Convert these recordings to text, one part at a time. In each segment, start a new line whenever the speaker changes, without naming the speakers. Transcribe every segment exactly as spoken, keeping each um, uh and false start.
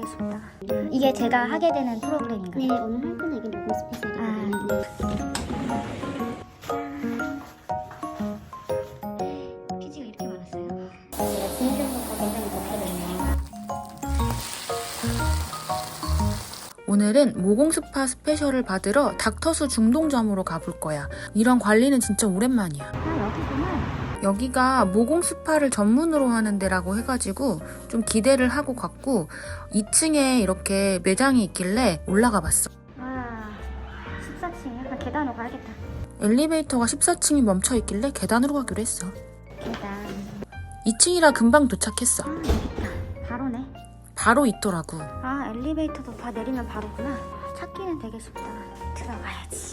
싶다. 이게 제가 하게 되는 프로그램인가요?
네, 오늘 할 거는 이게 모공 스페셜이거든요.
아. 피지가 이렇게 많았어요?
제가 진행자부터 굉장히 덥거든요.
오늘은 모공 스파 스페셜을 받으러 닥터수 중동점으로 가볼 거야. 이런 관리는 진짜 오랜만이야.
아, 여기구나.
여기가 모공 스파를 전문으로 하는 데라고 해가지고 좀 기대를 하고 갔고 이 층에 이렇게 매장이 있길래 올라가 봤어.
와, 십사 층 약간 계단으로 가야겠다.
엘리베이터가 십사 층이 멈춰 있길래 계단으로 가기로 했어.
계단.
이 층이라 금방 도착했어.
아, 여기 있다. 바로네.
바로 있더라고.
아, 엘리베이터도 다 내리면 바로구나. 찾기는 되게 쉽다. 들어가야지.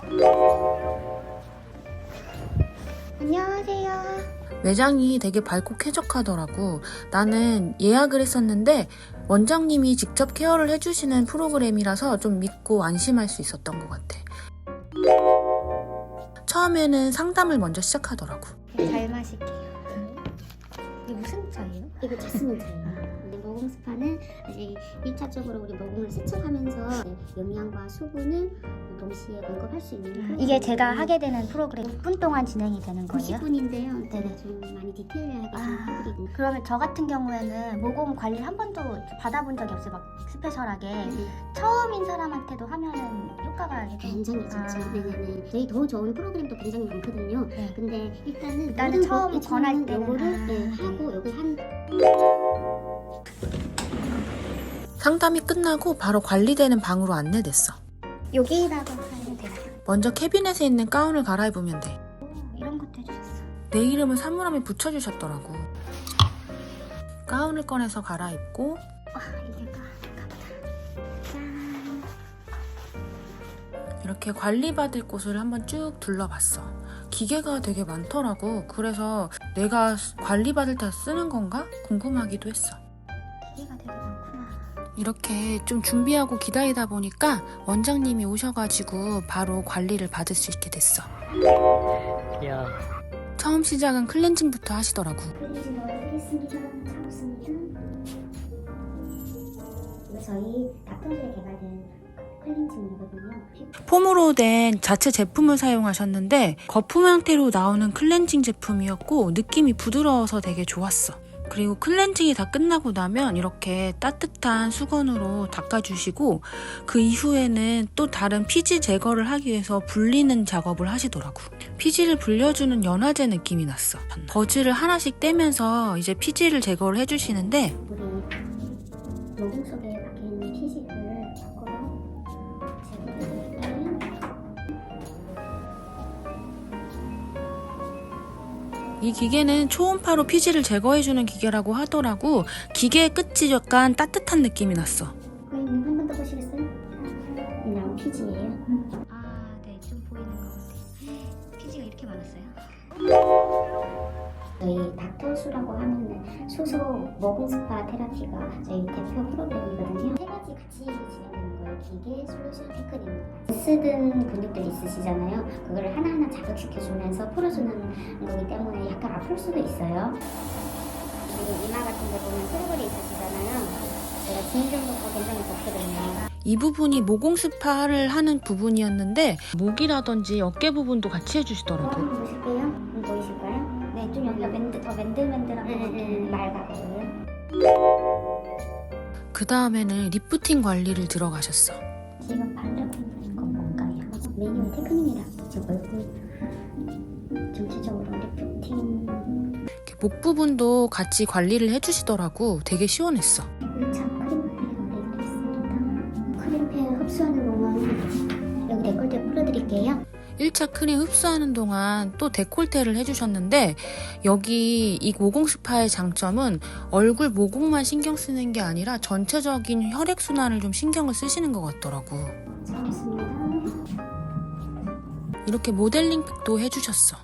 안녕하세요.
매장이 되게 밝고 쾌적하더라고. 나는 예약을 했었는데 원장님이 직접 케어를 해주시는 프로그램이라서 좀 믿고 안심할 수 있었던 것 같아. 처음에는 상담을 먼저 시작하더라고.
잘 마실게요. 이게 무슨 차예요?
이거 자스민 차예요. 모공 스파는 이제 일차적으로 우리 모공을 세척하면서 영양과 수분을 동시에 공급할 수 있는
이게 제가 하게 되는 프로그램 육 분 동안 진행이 되는 거예요?
구십 분인데요. 제가
네네.
좀 많이 디테일하게 좀
아,
해드리고.
그러면 저 같은 경우에는 모공 관리를 한 번도 받아본 적이 없어요. 막 스페셜하게.
네.
처음인 사람한테도 하면은 효과가 이렇게
굉장히 좋죠.
아.
네네네. 저희 더 좋은 프로그램도 굉장히 많거든요.
네.
근데 일단은
일단은
모든
처음
거-
권할
처음은
때는
요거를
아.
네, 하고 여기 한
상담이 끝나고 바로 관리되는 방으로 안내됐어.
여기다가 하면 되나요?
먼저 캐비넷에 있는 가운을 갈아입으면 돼.
오, 이런 것도 해주셨어.
내 이름을 사물함에 붙여주셨더라고. 가운을 꺼내서 갈아입고
와, 이게 가, 가보다. 짠.
이렇게 관리받을 곳을 한번 쭉 둘러봤어. 기계가 되게 많더라고. 그래서 내가 관리받을 때 쓰는 건가? 궁금하기도 했어.
기계가 되게 많구나.
이렇게 좀 준비하고 기다리다 보니까 원장님이 오셔가지고 바로 관리를 받을 수 있게 됐어.
야.
처음 시작은 클렌징부터 하시더라고.
클렌징 넣어드리겠습니다. 잡습니다. 이거 저희 닥터스에 개발된 클렌징이거든요.
폼으로 된 자체 제품을 사용하셨는데 거품 형태로 나오는 클렌징 제품이었고 느낌이 부드러워서 되게 좋았어. 그리고 클렌징이 다 끝나고 나면 이렇게 따뜻한 수건으로 닦아주시고 그 이후에는 또 다른 피지 제거를 하기 위해서 불리는 작업을 하시더라고. 피지를 불려주는 연화제 느낌이 났어. 버즈를 하나씩 떼면서 이제 피지를 제거를 해주시는데
우리 모공 속에 박혀있는 피지를 거꾸로 제거해드릴게요.
이 기계는 초음파로 피지를 제거해주는 기계라고 하더라고. 기계의 끝이 약간 따뜻한 느낌이 났어.
고객님 한 번 더 보시겠어요? 이 나온 피지예요.
아, 네, 좀 보이는 것 같아요. 피지가 이렇게 많았어요?
저희 닥터수라고 하면은 수소 모공 스파 테라피가 저희 대표 프로그램이거든요. 세 가지 같이 진행되는 거예요. 기계, 솔루션, 테크닉입니다. 쓰던 근육들이 있으시잖아요. 그거를 하나하나 자극시켜주면서 풀어주는 거기 때문에 약간 아플 수도 있어요. 그리고 이마 같은 데 보면 트러블이 있으시잖아요. 제가 진정부터 굉장히 덥거든요.
이 부분이 모공 스파를 하는 부분이었는데 목이라든지 어깨 부분도 같이 해주시더라고.
한번 보실게요. 한번 보이실까요?
네, 좀 여기가 맨들, 더 맨들맨들한 것 같아요.
맑아요.
그 다음에는 리프팅 관리를 들어가셨어.
지금 바르고 있는 건 뭔가요? 메뉴 테크닉이라 제 얼굴 전체적으로 리프팅
이렇게 목 부분도 같이 관리를 해주시더라고. 되게 시원했어.
일 차 크림팩 올려드리겠습니다. 크림팩 흡수하는 동안 여기 데콜테 풀어드릴게요.
일 차 크림 흡수하는 동안 또 데콜테를 해주셨는데 여기 이 모공 스파의 장점은 얼굴 모공만 신경 쓰는 게 아니라 전체적인 혈액순환을 좀 신경을 쓰시는 것 같더라고.
잘했습니다.
이렇게 모델링팩도 해주셨어.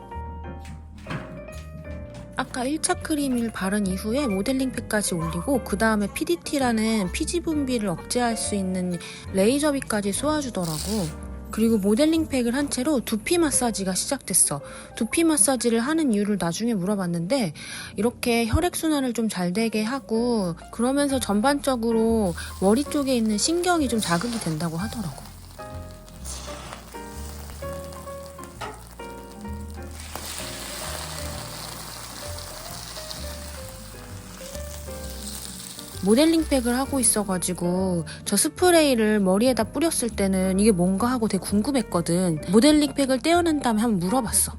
아까 일 차 크림을 바른 이후에 모델링팩까지 올리고 그 다음에 피디티라는 피지 분비를 억제할 수 있는 레이저빗까지 쏘아주더라고. 그리고 모델링 팩을 한 채로 두피 마사지가 시작됐어. 두피 마사지를 하는 이유를 나중에 물어봤는데 이렇게 혈액순환을 좀 잘 되게 하고 그러면서 전반적으로 머리 쪽에 있는 신경이 좀 자극이 된다고 하더라고. 모델링 팩을 하고 있어가지고 저 스프레이를 머리에다 뿌렸을 때는 이게 뭔가 하고 되게 궁금했거든. 모델링 팩을 떼어낸 다음에 한번 물어봤어.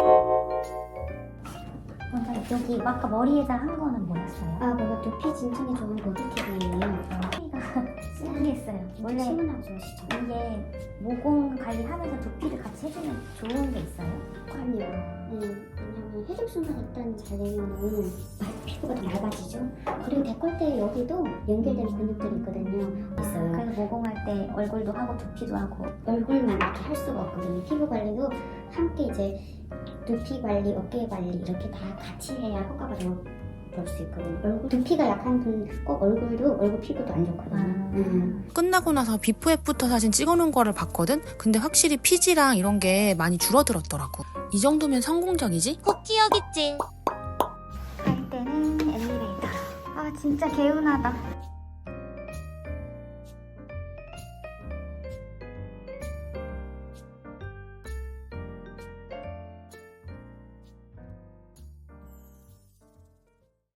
먼저 여기 아까 머리에다 한 거는 뭐였어요?
아, 그거 두피 진정에 좋은 보드팁이에요.
피가 신기했어요. 원래
시원하고 좋으시죠?
이게 모공 관리하면서 두피를 같이 해주면 좋은 게 있어요?
그럼요. 네, 왜냐면 혈액순환 일단 잘 되면은 피부가 더 얇아지죠. 그리고 데콜테 여기도 연결되는 근육들이 있거든요. 있어요.
그래서 모공할 때 얼굴도 하고 두피도 하고.
얼굴만 이렇게 할 수가 없거든요. 피부 관리도 함께 이제 두피 관리, 어깨 관리 이렇게 다 같이 해야 효과가 더 볼 수 있거든요. 얼굴 두피가 약한 분 꼭 얼굴도 얼굴 피부도 안 좋거든요.
아.
음.
끝나고 나서 비포 애프터 사진 찍어놓은 거를 봤거든? 근데 확실히 피지랑 이런 게 많이 줄어들었더라고. 이 정도면 성공적이지?
꼭 기억있지. 갈 때는 엘리베이터. 아 진짜 개운하다.